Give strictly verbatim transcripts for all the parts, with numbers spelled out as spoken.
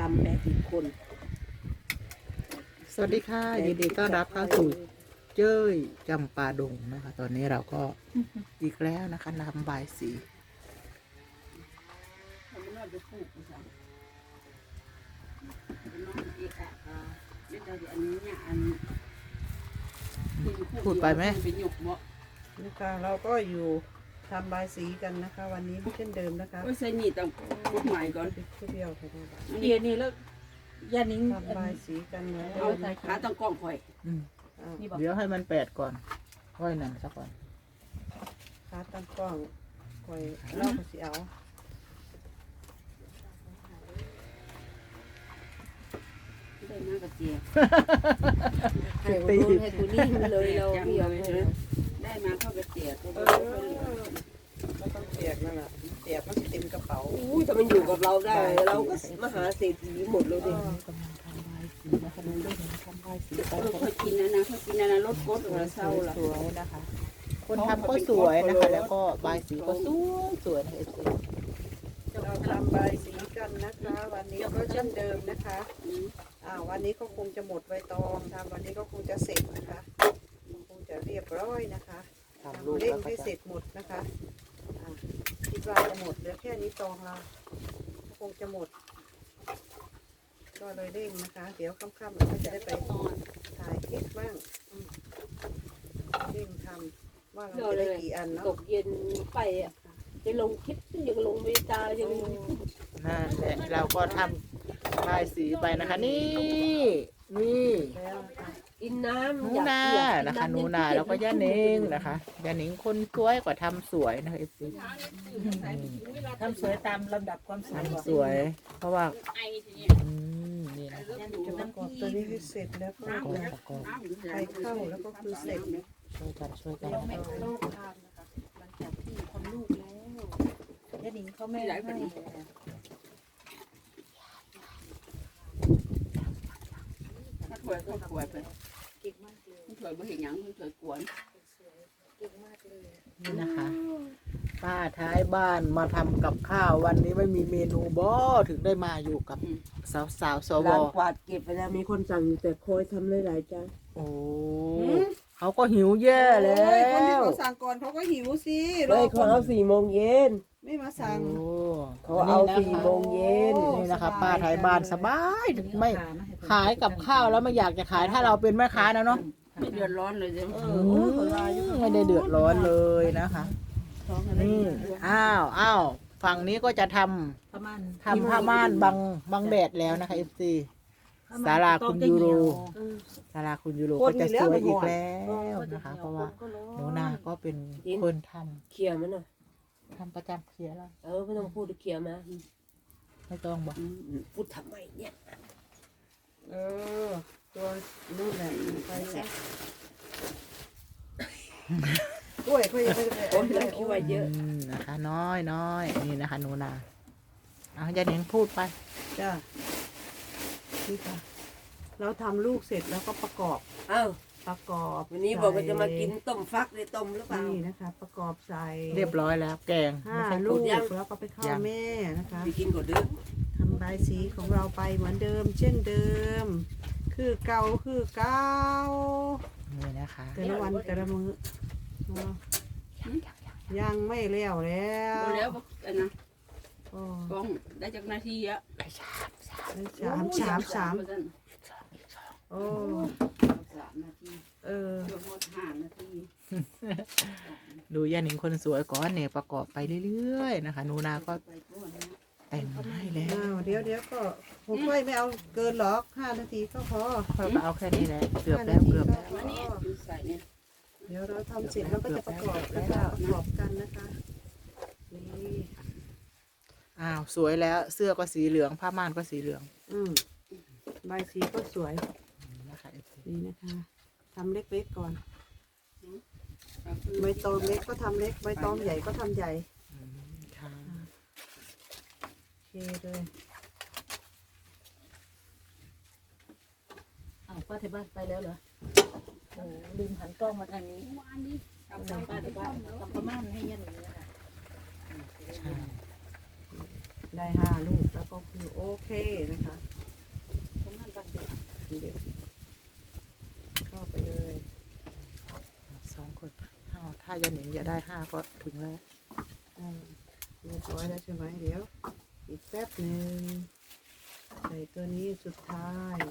ำแปดสิบคนสวัสดีค่ะยินดีต้อนรับเข้าสู่เจ้ยจำปาดงนะคะ ตอนนี้เราก็อีกแล้วนะคะนำบายสีพูดไปไหมนี่ค่ะเราก็อยู่ทำบายสีกันนะคะ วันนี้เช่นเดิมนะคะก็ใส่นี่ต้องพูดใหม่ก่อนเที่ยวไปดูบ้านเดี๋ยวนี้แล้วยานิ้งทำบายสีกันเหมือนเอาเดิมขาต้องกล้องข่อยอืมอ้าวนี่บอกเดี๋ยวให้มันแปดก่อนค่อยนั่นซะก่อนขาตั้งกล้องคอยเล่าภาษีเอาได้มากกับเจียให้กูนู่นให้กูนี่เลยเราจังเดียวเลยเลยได้มาเข้ากับเจียตัวเอเดียวอก็ต้องเปียกนั่นแหละเปียกมันจะเต็มกระเป๋าอุ้ยถ้ามันอยู่กับเราได้เราก็มหาเศรษฐีหมดเลยดิกำลังทำบายสีนะคะดูด้วยทำบายสีไปเออค่อยกินนะนะค่อยกินนะนะรถกดหัวเศร้าล่ะสวยๆนะคะ คนทำก็สวยนะคะ แล้วก็บายสีก็สวยสวยนะเอฟซีเราทำบายสีกันนะคะ วันนี้ก็เช่นเดิมนะคะอ่าวันนี้ก็คงจะหมดใบตองทำวันนี้ก็คงจะเสร็จนะคะคงจะเรียบร้อยนะคะทำรูปเร่งแล้วก็ให้จะเสร็จหมดนะคะอ่าคิดว่าจะหมดเหลือแค่นี้ตองเราคงจะหมด ก็เลยเร่งนะคะ เดี๋ยวค่ำๆเราก็จะได้ไปถ่ายคลิปบ้างอืมเร่งทำว่าเราเราจะเลได้ยกี่อันเนาะตกเย็นไปอ่ะจะลงคลิปยังลงไม่ตายังนั่นแหละเราก็ทำบายสีไปนะคะ นี่นี่แล้วนะคะกินน้ำหนูนานะคะหนูนาแล้วก็ย่าเนิงนะคะย่าเนิงคนสวยกว่าทำสวยนะคะเอฟซีทำสวยตามลำดับความสวยทำสวย เพราะว่าอืมนี่นะคะจะประกอบตัวนี้ให้เสร็จแล้วก็ประกอบประกอบไฟเข้าแล้วก็คือเสร็จช่วยกันช่วยกันไม่โลกทานนะคะหลังจากที่ทำลูกแล้วยานิ้งเขาไม่ให้ถ้าถวยก็ถวยไปเก่งมากเลยถวยบ่เห็นหยังถวยกวนเก่งมากเลยนี่นะคะ ป้าท้ายบ้านมาทำกับข้าววันนี้ไม่มีเมนูบ่ถึงได้มาอยู่กับสาวสาวๆสวร้านกวาดเก็บไปแล้วมีคนสั่งอยู่แต่คอยทำหลายๆจานโอ้เขาก็หิวแย่แล้โอ้ยคนที่วเขาสั่งก่อนเขาก็หิวสิรไม่อคเขานเอาสี่โมงเย็นไม่มาสั่งโอ้เขาเอาสี่โมงเย็นนี่นะคะ ป้าท้ายบ้านสบายไม่ขายกับข้าวแล้วไม่อยากจะขายถ้าเราเป็นแม่ค้านะเนาะไม่เดือดร้อนเลยจ้ะอืมไม่ได้เดือดร้อนเลยนะคะนี่อ้าวอ้าวฝั่งนี้ก็จะทำประมาณทำผ้าม่านบังบังแดดแล้วนะคะเอฟซีศาลาคุณยูโรศาลาคุณยูโรก็จะสวยอีกแล้วนะคะ เพราะว่าหนูนาก็เป็นคนทำเคลียร์มันหน่อยทำประจำเคลียร์แล้วเออไม่ต้องพูดเคลียร์มาไม่ต้องบอกพูดทำไมเนี่ยเออ ตัวนู่นแหละไปซะกล้วยเขายังไม่ได้โอ้ยเราคิดว่าเยอะอืมนะคะ น้อยน้อยนี่นะคะหนูนาเอาอย่าเน้นพูดไปจ้านี่ค่ะ เราทำลูกเสร็จแล้วก็ประกอบอ้าวประกอบวันนี้บอกว่าจะมากินต้มฟักเลยต้มหรือเปล่านี่นะคะ ประกอบใส่เรียบร้อยแล้ว แกงห้าไม่ใช่ลูกยังแล้วก็ไปเข้ายังแม่นะคะไปกินก่อนเด้อทำใบายสีของเราไปเหมือนเดิม เช่นเดิม คือเก่าคือเก่านี่นะคะแต่ละวันแต่ละมื้อเนาะยังไม่เลี้ยวแล้วบ่แล้วบ่อันนะโอ้กล้องได้จากนาทีอะไปชามชามสามสามสามสามสองอีกสองโอ้สามนาทีเออเกือบหมดห้านาทีดูย่าหนิงคนสวยก่อนเนี่ยประกอบไปเรื่อยๆนะคะหนูนาก็ไปก่อนนะแต่งให้แล้วอ้าวเดี๋ยวเดี๋ยวก็ผมค่อยไม่เอาเกินหรอกห้านาทีก็พอเราก็เอาแค่นี้แหละเกือบแล้วเกือบแล้วมานี่ดูใส่เนี่ยเดี๋ยวเราทำเสร็จเราก็จะประกอบแล้วก็ประกอบกันนะคะนี่อ้าวสวยแล้วเสื้อก็สีเหลืองผ้าม่านก็สีเหลืองอืมใบสีก็สวยนะคะนี่นะคะทำเล็กๆก่อนใบตองเล็กก็ทำเล็กใบตองใหญ่ก็ทำใหญ่อืมค่ะโอเคเลยอ้าวป้าที่บ้านไปแล้วเหรอโอ้ลืมหันกล้องมาทางนี้ทำป้าที่บ้านทำประมาณให้ยันอย่างนี้นะคะใช่ได้ห้าลูกแล้วก็คือโอเคนะคะายาหนิงอย่าได้ห้าก็ถึงแล้วอ่าเรียบร้อยแล้วใช่ไหมเดี๋ยว อีกแป๊บหนึ่งใส่ตัวนี้สุดท้าย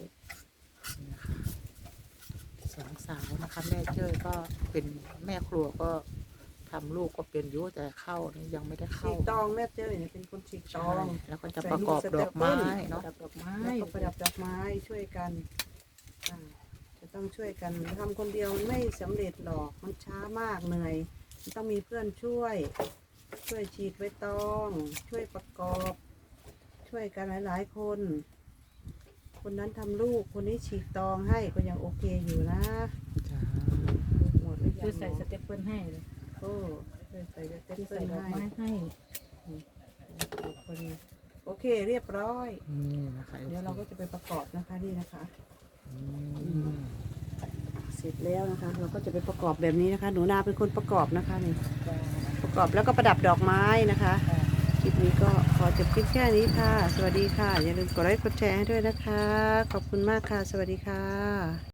สองสาวนะคะแม่เจ้ยก็เป็นแม่ครัวก็ทำลูกก็เป็นอยู่แต่เข้านี่ยังไม่ได้ฉีเข้ากตองแม่เจ้ยเนี่ยเป็นคนฉีกตใช่องแล้วก็จะประกอบดอกไม้เนาะดับดอกไม้แล้วก็ประดับดอกไม้ช่วยกันอ่าจะต้องช่วยกันทำคนเดียวมันไม่สำเร็จหรอกมันช้ามากเหนื่อยมันต้องมีเพื่อนช่วย ช่วยฉีกใบตอง ช่วยประกอบ ช่วยกันหลายๆคน คนนั้นทำลูกคนนี้ฉีกตองให้ก็ยังโอเคอยู่นะจ้าหมดหรือยังคือใส่สเต็ปเปิลให้เลยโอ้ช่วยใส่จะเต็มคือเปิใส่ลดอกให้ไม้ให้พอดีโอเคเรียบร้อยนี่นะคะเดี๋ยวเราก็จะไปประกอบนะคะนี่นะคะอืมเสร็จแล้วนะคะ เราก็จะไปประกอบแบบนี้นะคะ หนูนาเป็นคนประกอบนะคะนี่ประกอบแล้วก็ประดับดอกไม้นะคะคลิปนี้ก็ขอจบคลิปแค่นี้ค่ะ สวัสดีค่ะ อย่าลืมกดไลค์กดแชร์ให้ด้วยนะคะ ขอบคุณมากค่ะ สวัสดีค่ะ